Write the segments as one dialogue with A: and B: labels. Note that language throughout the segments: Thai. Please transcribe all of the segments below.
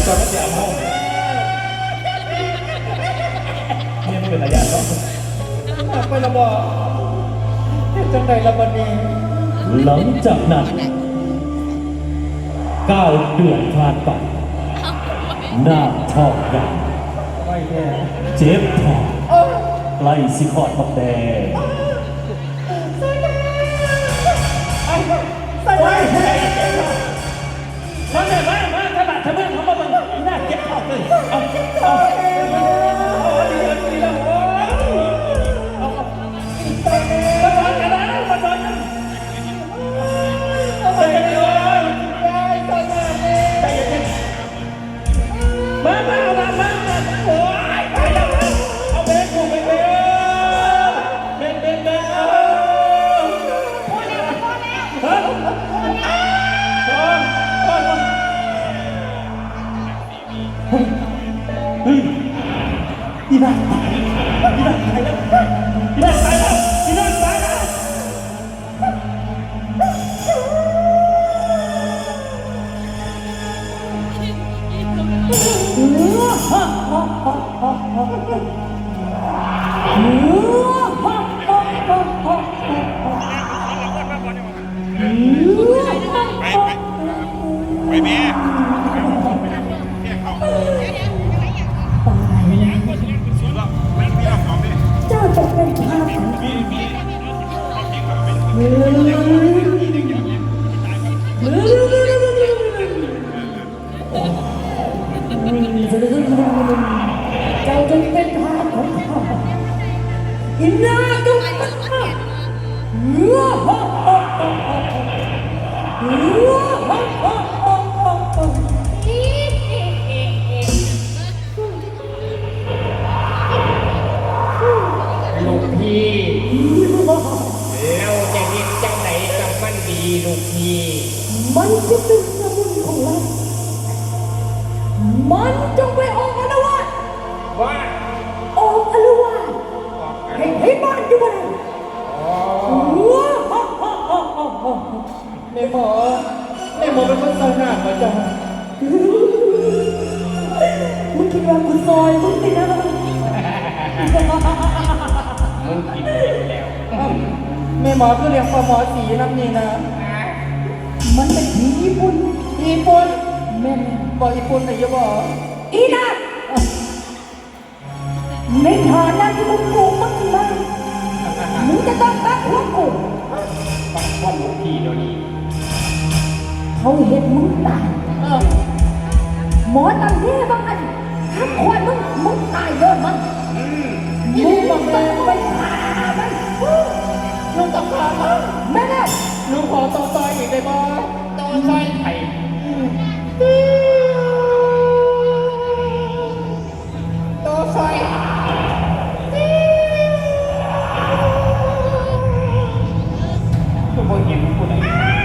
A: ก่อนก็จะเอาห้องเนี่ยมันเป็นระยะเนาะไประบอกจังใดละวันนี้หลังจากนั้น9 เดือนผ่านไปหน้าท้องใหญ่เจ็บท้องใกล้สิขอดบักแดงมาเลยมาถ้าบาดถ้าเมื่อเขามาบังหน้าเจ็บท้องเลยเอาดีแล้วโอ้มาสอนกันแล้วมาสอนกันใจเย็นมาโอ้ยไปแล้วเอาเบรกกูไปเบรกพอแล้วเฮ้ยอีน่าตายแล้ว
B: ไปแม่
C: เจ้าตกเป็นทาสเจ้าจะเป็นทาสของข้าอินนาจง
A: ลูกพี่แล้วจะเห็นจังไหนกับมันดีลูกพี่
C: มันจะเป็นสมุนของเรามันจงไปออกอารวาส
A: ว่า
C: ออกอารวาสให้บ้านอยู่บ้าน
A: แม่หมอเป็นคนสร้างหน้ามาจัง
C: มึงคิดว่ากูซอยมึงตินะ
A: มึงกินแล้วแม่หมอคือเรียกปหมอสีน้ำนี่นะ
C: มันเป็นผีญี่ปุ่นแม่
A: บอกญี่ปุ่นไหนจะบอก
C: อีน่าในฐานะที่มึงปลูกมันมามึงจะต้องตัดหัวกู
A: ปักข้อลูกพี่เดี๋ยวนี้
C: เขาเห็นมึงตายหมอตันเท่บางอันทำควายมึงตายเยอะมันมึงต้องไปหามัน
A: ลูกตะขาบ
C: แม่เนี่ย
A: ลูกขอต่อซอยอีกได้บ่ต่อซอยไข่ต่อซอยทุกคนเห็นผู้ใด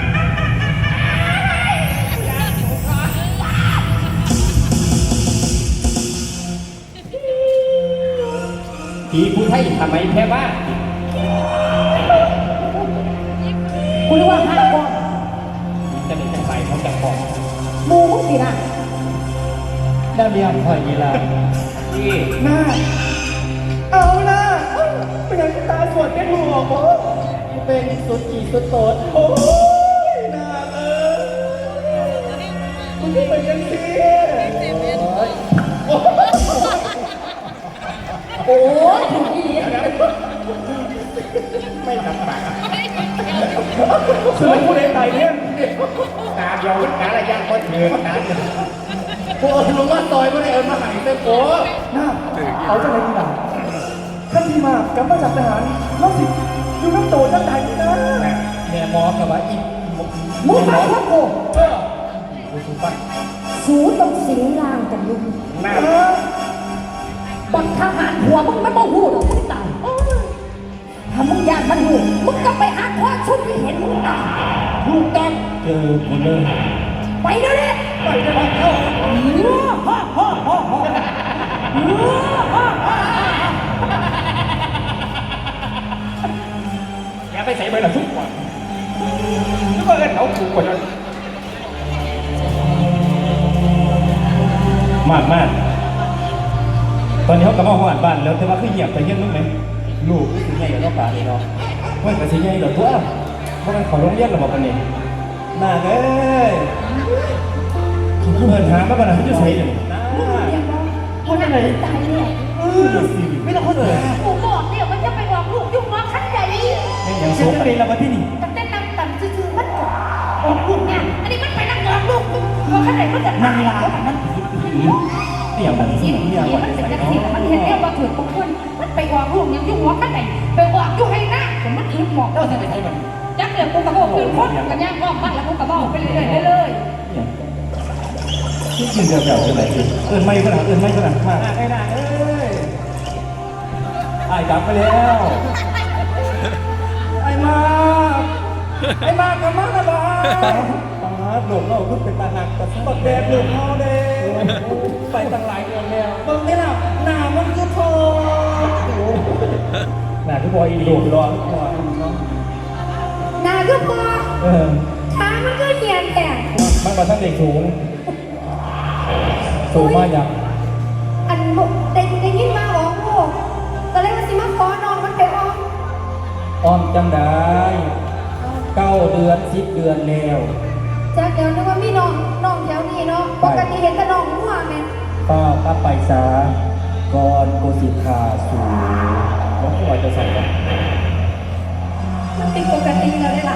A: ผีผู้ไทยทำไมแพ้บ้า
C: คุณรู้ว่าห้าก้อน
A: จะได้จังไรเขาจะพอ
C: มูมึงสินะ
A: ได้เรียงพอยีรานี่หน้าเอาหน้าเป็นยังตาสวดเป็นหัวโอ้เป็นสุดกี่สุดโตดโอ้ยหน้ามึงเป็นยังสิ
C: โอ้ยถูกอี
A: ไม่ทำปากคือผู้ใดตายเนี่ยตาเดียวกาละย่างก็เถื่อนนะพวกรู้ว่าซอยไม่ได้เอิญมาหายเต้โก้น่าเขาจะอะไรดีล่ะท่านที่มากับมาจากทหารน้องสิอยู่น้ำโตน้ำใจนี่นะแม่หมอกับว่าอี
C: มึงไปครับกู
A: กูถูกปะ
C: สูต้องสิงล่างกันลุง
A: น่า
C: บังทหารหัวมึงไม่ต้องหูหรอกมึงตายถ้ามึงอยากมันหูมึงก็ไปหาข้อชุดที่เห็นมึงตาย
A: ลูกตั้งเจอคนเลย
C: ไปเดี๋ยวนี้
A: ไปเดี๋ยวเข้าอย่าไปใส่ใบละทุกวันนึกว่าเอิ้นเขาถูกกว่านั้นมากมากตอนนี้เขากลับมาหอดบ้านแล้วแต่ว่าคือเหยียบไปเยี่ยมมึงไหมลูกคือใหญ่กับน้องป่าเลยเนาะว่าแต่สิใหญ่เหรอตัวเพราะมันขอโรงเรียนหรอบอกกันนี่น่าเลยเปิดทางมาบ้านเขาจะใช้เลย
C: คนไหนตายเนี่ย
A: ไม่ต้องคนเลย
C: กูบอกเนี่ยมันจะไปบอกลูกยุ่งน้องขั้นใหญ่
A: อย่างโซ่ประเด็นเรามาที่นี่
C: แต่เต้นนำต่ำซื่อๆมันออกลูกเนี่ยอันนี้มันไปนั่งยองลูกน้องขั้นไหนมันจะนั่งลามัน
A: นี่อย่างนั้น
C: มันเป็นกระถิ่นมันเห็นแล้วว่าถือของคนมันไปออกลูกยังยุ่งหัวขั้นไหนไปออกยุ่งให้หน้าผมมันถือหมอกเราจะไปใช้มันยักษ์เดือดกูกระบอกขึ้นพ้นกันย่างอ้อมบ้านแล้วกูกระบอกไปเรื่อยๆเลย
A: ที่ยืนเดียวๆเลยเอินไม่ขนาดมากไอ้หน้าเอ้ยไอ้กลับไปแล้วไอ้มากกับมากนะบ้าหลงเราขึ้นเป็นตาหักแต่สมบัติแดงหลงเขาเด้ไปตั้งหลายเดือนแล้วตรงนี้ล่ะหน้ามันคือทองหน้าคือบอยอีหลงร้อน
C: นาก็พอช้ามันก็เหียนแต่
A: มันมาทั้งเด็กสูงมากอย่าง
C: อันบุกได้ยินมาบอกลูกตอนแรกมันสิมาขอนอนมันไป
A: อ้อมจังได้9 เดือน10 เดือนแล้ว
C: จากเดี๋ยวนึกว่ามีน้องแถวนี้เนาะปกติเห็นแต่น้องหัวแม่
A: ป้าป้าไปซาก่อนโกสิทาสูน้องผู้ว่าจะใส่กัน
C: มันเป็นปกติแล้วได้ล่ะ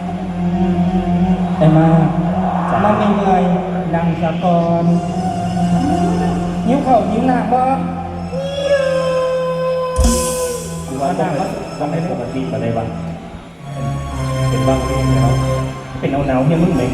A: แต่มามันยังไงนั่งสะก่อนนิ้วเข่านิ้วหนักบ่ว่าหนักก็ไม่ปกติอะไรบ้างเป็นบ้างเรื่องแล้วเป็นหนาวเนี่ยมึงไหม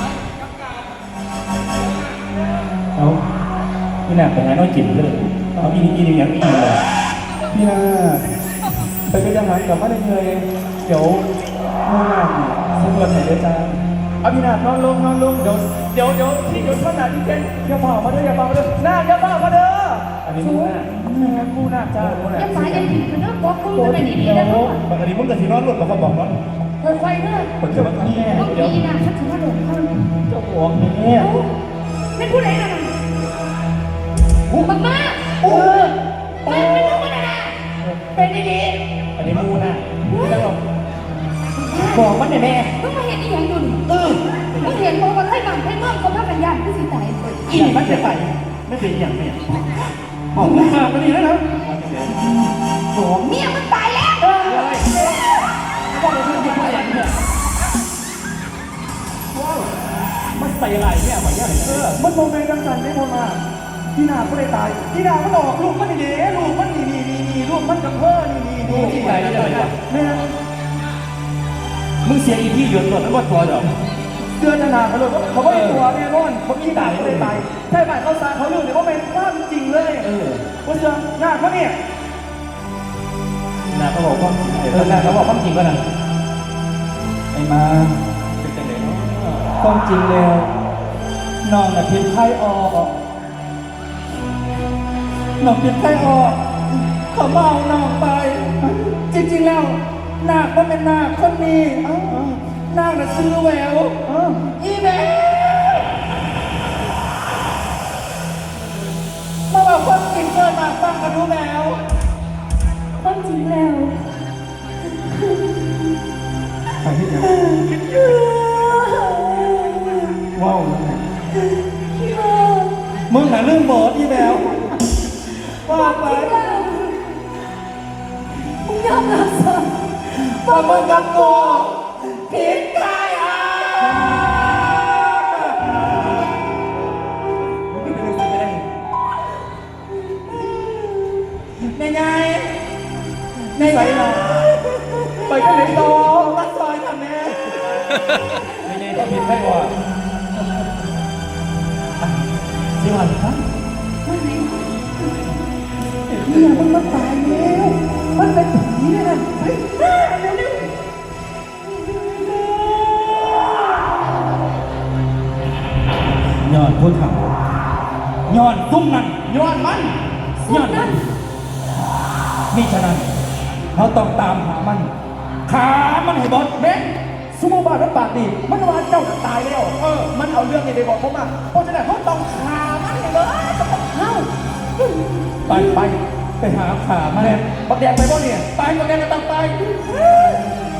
A: เอาพี่นาไปหาน้อยจิ๋มเลยเอาอีนี่อย่างนี้เลยพี่นาไปเป็นทหารกลับมาได้เลยเดี๋ยวมูนาสำรวจไหนเดี๋ยวจะเอาพี่นานอนลงเดี๋ยวที่เดี๋ยวท่านนาที่เจนอย่าเผามาเด้ออย่าเผามาเด้อหน้าอย่าเผามาเด้ออันนี้มูนาจ้า
C: ยังสายยังผิดคือเรื่องบอกคุณจะเป็นดีๆนะลูก
A: ปกติมึงกับที่นอนหลุดเขาบอกนอน
C: ไฟเด้อ
A: ผมจะมาทำแน่
C: เดี๋ยวนะฉันถือว่าหลงเขา
A: เจ้าของเนี่ย
C: ไม่พูดอะไรนะมากเป็นลูกมันนะเป็นดี
A: ๆอันนี้มูนาบอกมันเนี่ยแม่
C: มึงมาเห็นอีหยังดุนมึงเห็นบอกว่าให้บังให้เมื่อเขาพากันยานที่สิตาย
A: อีมันจะไปไม่เป็นอย่างเนี่ยบอกมาไม่ดีแล้วนะ
C: บอกเมียมันตายแล้ว
A: บอกเลยมันเป็นอย่างเนี่ยว้าวมันใส่อะไรเนี่ยไหวเนี่ยมันโมเมนต์ดังสันได้พอมาพี่นาก็เลยตายพี่นาก็หลอกลูกมันดีลูกมันนี่ลูกมันกับเพื่อนนี่ที่ไหนจะไปวะแม่มึงเสียอีที่หยดหลดแล้วว่าตัวเดี๋ยวเดือนนาเขาเลยเขาไม่ตัวแน่นอนเขาอีด่าเขาเลยตายใช่ไหมเขาสร้างเขาอยู่เนี่ยเขาเป็นความจริงเลยว่าเจอหน้าเขาเนี่ยหน้าเขาบอกว่าหน้าเขาบอกความจริงก็นั่นไอ้มาเป็นจังเลยความจริงแล้วน้องน่ะพิษไข้ออกน้องพิษไข้ออกเขาเมาน้องไปจริงๆแล้วนาคก็เป็นนาคคนนี้นาคน่ะซื้อแหววอีแหววมาบอกความจริงเกินมาฟังกันดูแหวว
C: ความจริงแล้ว
A: ไปที่ไหนว้าวมึงน่ะเรื่องบอสอีแหววว่าไป
C: มึงยอมรับซะ
A: ว่ามึงกับกูผิดกันในใส่เราไปกันเลยต่อรักซอยทำแม่ในก็ผิดไม่ว่าสิวันครับ
C: เนี่ยมันมาตายแล้วมันเป็นผีเลยนะไปเร็ว
A: ย้อนพูดเขาย้อนตุ้มนั่นย้อนมันย้อนนั่นมิฉะนั้นเราต้องตามหามันขามันให้บอสเบนซูโม่บาร์ปากดีมันว่าเจ้าตายแล้วมันเอาเรื่องนี้ไปบอกเขามาเพราะฉะนั้นเขาต้องขามันให้บอสไปหาขามาเนี่ยบักแดงไปบ่เนี่ยไปบักแดงก็ต้องไป